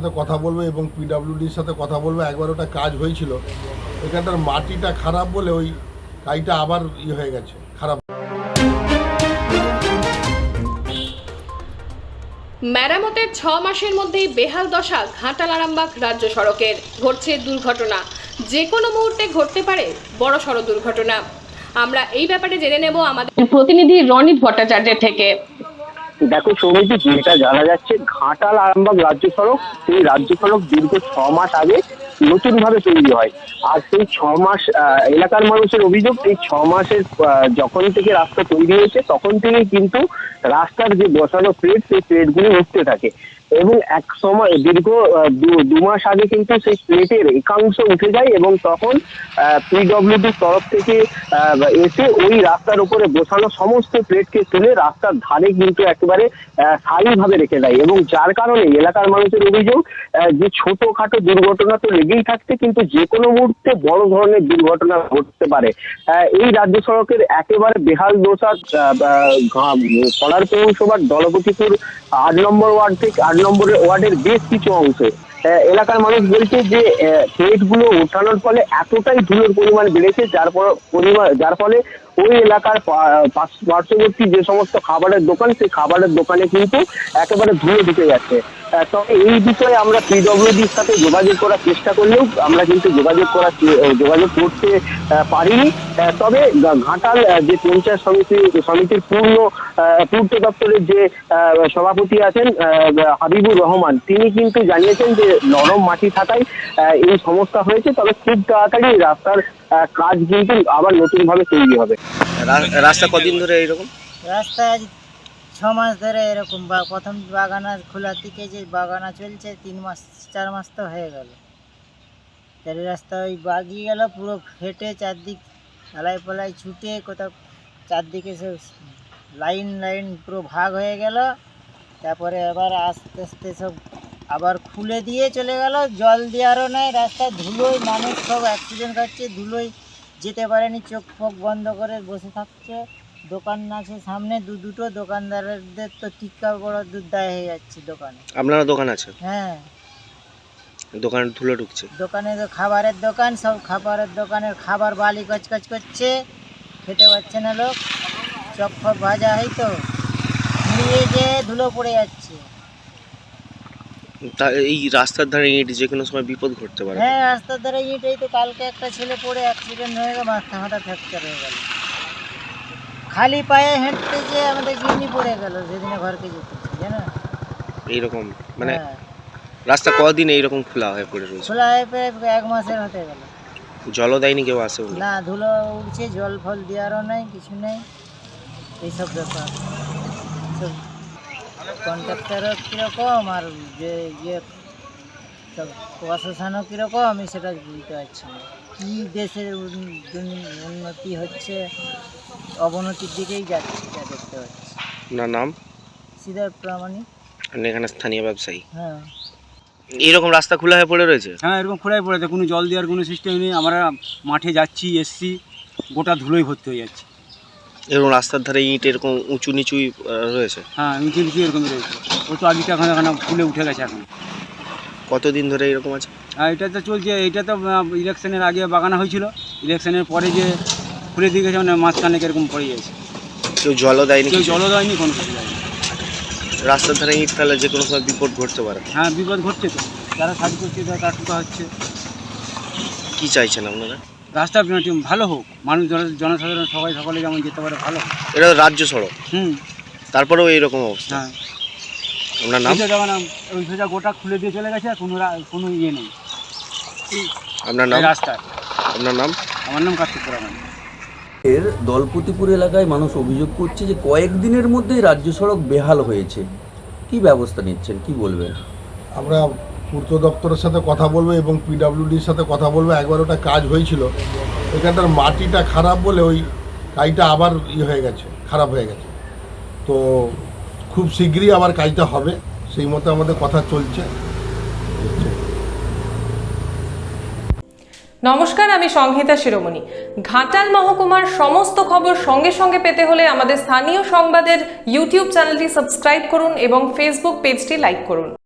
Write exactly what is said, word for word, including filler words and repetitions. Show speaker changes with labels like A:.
A: সাথে কথা বলবো এবং পিডব্লিউডির সাথে কথা বলবো। একবার ওটা কাজ হয়েছিল, এখানটার মাটিটা খারাপ বলে ওই কাজটা আবার ইয়ে হয়ে গেছে, খারাপ।
B: মেরামতের ছ মাসের মধ্যেই বেহাল দশা ঘাটাল আরামবাগ রাজ্য সড়কের। ঘটছে দুর্ঘটনা, যে কোনো মুহূর্তে ঘটতে পারে বড় সড় দুর্ঘটনা। আমরা এই ব্যাপারে জেনে নেব আমাদের প্রতিনিধি রনিত ভট্টাচার্যের থেকে।
C: দেখো সৌমিতি, যেটা জানা যাচ্ছে ঘাটাল আরামবাগ রাজ্য সড়ক, সেই রাজ্য সড়ক দীর্ঘ ছ মাস আগে নতুন ভাবে তৈরি হয়। আর সেই ছ মাস এলাকার মানুষের অভিযোগ, এই ছ মাসের যখন থেকে রাস্তা তৈরি হয়েছে তখন থেকে কিন্তু রাস্তার যে বসানো প্লেট, সেই প্লেটগুলি উঠতে থাকে এবং এক সময় দীর্ঘ দু মাস আগে কিন্তু সেই প্লেটের একাংশ উঠে যায় এবং তখন পিডব্লিউডির তরফ থেকে এসে ওই রাস্তার উপরে বসানো সমস্ত প্লেটকে তুলে রাস্তার ধারে কিন্তু একেবারে স্থায়ীভাবে রেখে দেয় এবং যার কারণে এলাকার মানুষের অভিযোগ যে ছোটখাটো দুর্ঘটনা তো লেগেই থাকছে, কিন্তু যে কোনো মুহূর্তে বড় ধরনের দুর্ঘটনা ঘটতে পারে। এই রাজ্য সড়কের একেবারে বেহাল দশা কলার পৌরসভার দলপতিপুর আট নম্বর ওয়ার্ড থেকে আট নম্বর ওয়ার্ডের বেশ কিছু অংশে এলাকার মানুষ বলছে যে প্লেটগুলো ওঠানোর ফলে এতটাই ধুলোর পরিমাণ বেড়েছে যার পরিমাণ যার ফলে ওই এলাকার পার্শ্ববর্তী যে সমস্ত খাবারের দোকান, সেই খাবারের দোকানে কিন্তু একেবারে ধুলো ঢুকে যাচ্ছে। তবে এই বিষয়ে আমরা পিডব্লিউডির সাথে যোগাযোগ করার চেষ্টা করলেও আমরা কিন্তু যোগাযোগ করার যোগাযোগ করতে পারিনি। তবে ঘাটাল যে পঞ্চায়েত সমিতি সমিতির পূর্ণ পূর্ত দপ্তরের যে সভাপতি আছেন হাবিবুর রহমান, তিনি কিন্তু জানিয়েছেন যে নরম মাটি থাকায় এই সমস্যা হয়েছে, তবে খুব তাড়াতাড়ি রাস্তার কাজ কিন্তু আবার নতুন ভাবে তৈরি হবে।
D: রাস্তা কদিন ধরে এইরকম?
E: রাস্তা আজ ছ মাস ধরে এরকম, বা প্রথম বাগানা খোলা থেকে যে বাগানা চলছে তিন মাস চার মাস তো হয়ে গেল। তাহলে রাস্তা ওই বাগিয়ে গেল, পুরো ফেটে চারদিক ঢালাই পালাই ছুটে কোথাও চারদিকে সে লাইন লাইন পুরো ভাগ হয়ে গেল। তারপরে আবার আস্তে আস্তে সব আবার খুলে দিয়ে চলে গেল, জল দেওয়ারও নেই। রাস্তায় ধুলোয় মানুষ সব অ্যাক্সিডেন্ট করছে, ধুলোয় যেতে পারেনি, চোখ ফোক বন্ধ করে বসে থাকছে। দোকান আছে সামনে দু দুটো, দোকানদারদের তো টিক্কা বড় দুধ দায় হয়ে যাচ্ছে দোকানে।
D: আপনারা দোকান আছে?
E: হ্যাঁ,
D: দোকানে ধুলো ঢুকছে।
E: দোকানে তো খাবারের দোকান, সব খাবারের দোকানের খাবার বালি কচকচ করছে, খেতে পাচ্ছে না লোক। চপ ফপ ভাজা হয় তো নিয়ে যে ধুলো পড়ে যাচ্ছে।
D: তা এই রাস্তার ধারে ইট যে কোনো সময় বিপদ ঘটতে পারে।
E: হ্যাঁ, রাস্তার ধারে ইট, এই তো কালকে একটা ছেলে পড়ে অ্যাক্সিডেন্ট হয়ে গেল, মাথা মাথা ফ্র্যাকচার হয়ে গেল। খালি পায়ে হেঁটতে যে আমাদের কিডনি পড়ে গেল সেদিনে ঘরকে যেতে, জানো
D: এইরকম মানে রাস্তা কদিন এইরকম খোলা হয়ে পড়ে রয়েছে?
E: খোলা হয়ে প্রায় এক মাসের হতে গেল।
D: জলও দেয়নি কেউ? আসে
E: না, ধুলো উঠছে, জল ফল দেওয়ারও নেই, কিছু নেই। এইসব ব্যাপার সব কন্ট্রাক্টারও কীরকম আর যে ইয়ে সব প্রশাসনও কীরকম, আমি সেটা বুঝতে পারছি না। কী দেশের উন্নতি হচ্ছে, অবনতির দিকেই যাচ্ছে যা দেখতে পাচ্ছি।
D: না নাম?
E: সিদ্ধার্থ প্রামাণিক।
D: এখানে স্থানীয় ব্যবসায়ী।
E: হ্যাঁ,
D: এইরকম রাস্তা খোলা হয়ে পড়ে রয়েছে?
F: হ্যাঁ, এরকম খোলাই পড়েছে, কোনো জল দেওয়ার কোনো সিস্টেম নেই। আমরা মাঠে যাচ্ছি এসছি, গোটা ধুলোই ভর্তি হয়ে যাচ্ছে।
D: এরকম রাস্তার ধারে ইট এরকম উঁচু নিচুই রয়েছে?
F: হ্যাঁ, উঁচু নিচু এরকমই রয়েছে। ও তো আগেটা এখন এখন ফুলে উঠে গেছে এখন।
D: কতদিন ধরে এরকম আছে?
F: হ্যাঁ, এটা তো চলছে। এটা তো ইলেকশনের আগে বাগানো হয়েছিল, ইলেকশনের পরে যে খুলে দিয়ে গেছে, মানে মাঝখানে এরকম পড়ে গেছে।
D: কেউ জলও দেয়নি?
F: কেউ জলও দেয়নি, কোনো কিছু দেয়নি।
D: রাস্তার ধারে ইট ফেলে যে কোনো সময় বিপদ ঘটতে পারে।
F: হ্যাঁ, বিপদ ঘটছে তো, যারা সাজ করছে তারা টুকা হচ্ছে।
D: কি চাইছেন আপনারা?
F: রাস্তা ভালো হোক, মানুষ জনসাধারণ সবাই সকলে যেমন যেতে পারে, ভালো হোক।
D: এটা রাজ্য সড়ক,
F: হুম,
D: তারপরেও এইরকম অবস্থা।
F: হ্যাঁ,
D: আপনার নাম?
F: যেমন ওই সোজা গোটা খুলে দিয়ে চলে গেছে, কোনো কোনো ইয়ে নেই।
D: আপনার নাম?
F: রাস্তায়।
D: আপনার নাম?
F: আমার নাম কার্তিক পুরামানি।
G: এর দলপতিপুর এলাকায় মানুষ অভিযোগ করছে যে কয়েকদিনের মধ্যেই রাজ্য সড়ক বেহাল হয়েছে। কি ব্যবস্থা নিচ্ছেন, কি বলবেন?
A: আমরা পূর্ত দপ্তরের সাথে কথা বলবো এবং পিডব্লিউডির সাথে কথা বলবো। একবার ওটা কাজ হয়েছিল, এখানটার মাটিটা খারাপ বলে ওই কাজটা আবার ইয়ে হয়ে গেছে, খারাপ হয়ে গেছে। তো খুব শীঘ্রই আবার কাজটা হবে, সেই মতো আমাদের কথা চলছে।
H: নমস্কার, আমি সংহিতা শিরোমণি। ঘাটাল মহকুমার সমস্ত খবর সঙ্গে সঙ্গে পেতে হলে আমাদের স্থানীয় সংবাদের ইউটিউব চ্যানেলটি সাবস্ক্রাইব করুন এবং ফেসবুক পেজটি লাইক করুন।